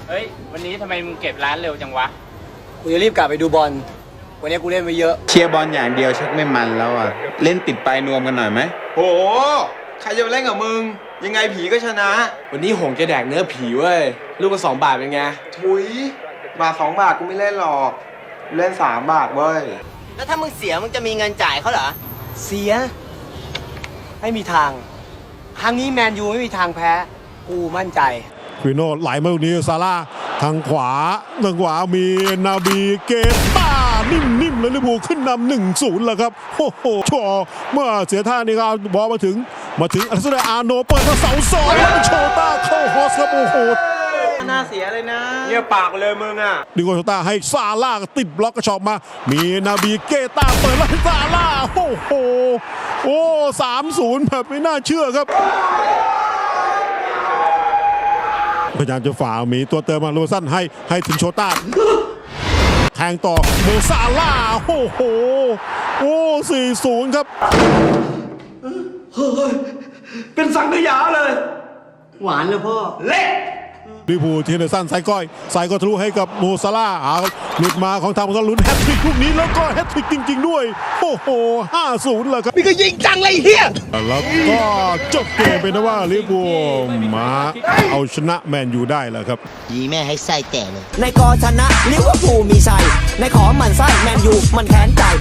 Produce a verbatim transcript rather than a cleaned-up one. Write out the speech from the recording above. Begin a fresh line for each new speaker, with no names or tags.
เฮ้ยวันนี้ทำไมมึงเก็บร้านเร็วจังวะ
กูจะรีบกลับไปดูบอลวันนี้กูเล่นไปเยอะ
เชียร์บอลอย่างเดียวชักไม่มันแล้วอ่ะเล่นติดปลายนวมกันหน่อยไหม
โหใครจะเล่นกับมึงยังไงผีก็ชนะ
วันนี้หงจะแดกเนื้อผีเว้ยลูกละสองบาทเป็นไง
ถุยบาทสองบาทกูไม่เล่นหรอกเล่นสามบาทเว้ย
แล้วถ้ามึงเสียมึงจะมีเงินจ่ายเขาเหรอ
เสียไม่มีทางครั้งนี้แมนยูไม่มีทางแพ้กูมั่นใจ
ฟิโน่ไหลมาตรงนี้ซาร่าทางขวาทางขวามีนาบีเกตานิ่มๆเลยลิเวอร์พูลขึ้นนำหนึ่งศูนย์แล้วครับโอ้โหชอเมื่อเสียท่านี่ก็บอลมาถึงมาถึงอัลเซนอาร์โนเปิดมาเสาสองโชต้าเข้าฮอสครับโอ้โห
น่าเสียเลยนะเงียบปากเลยมึงอ่ะ
ดิโกโชต้าให้ซาร่าติดบล็อกกระชอกมามีนาบีเกตาเปิดแล้วให้ซาร่าโอ้โหโอ้สามศูนย์แบบไม่น่าเชื่อครับพยายามจะฝ่ามีตัวเติมมาโรสั้นให้ให้ถึงโชต้าแทงต่อโมซาร่าโอ้โหโอ้สี่ศูนย์ครับ
เฮ้ยเป็นสังขยาเลย
หวานเลยพ่อ
เละ
ลิเวอร์พูลทีเนอร์สันใส่ก้อยใส่ก็ทะลุให้กับโมซาร่าเอาหลุดมาของทางโมซาร่าลุ้นแฮตทริกลูกนี้แล้วก็แฮตทริกจริงๆด้วยโอ้โหห้าศูนย์เลยครับ
นี่ก็ยิงจังเลยเฮีย
แล้วก็จบเกมเป็นนะว่าลิเวอร์พูลมาเอาชนะแมนยูได้แล้วครับ
ยีแม่ให้ไส้แตกเลยในกอชนะลิเวอร์พูลมีชัยในขอมันไส้แมนยูมันแค้นใจ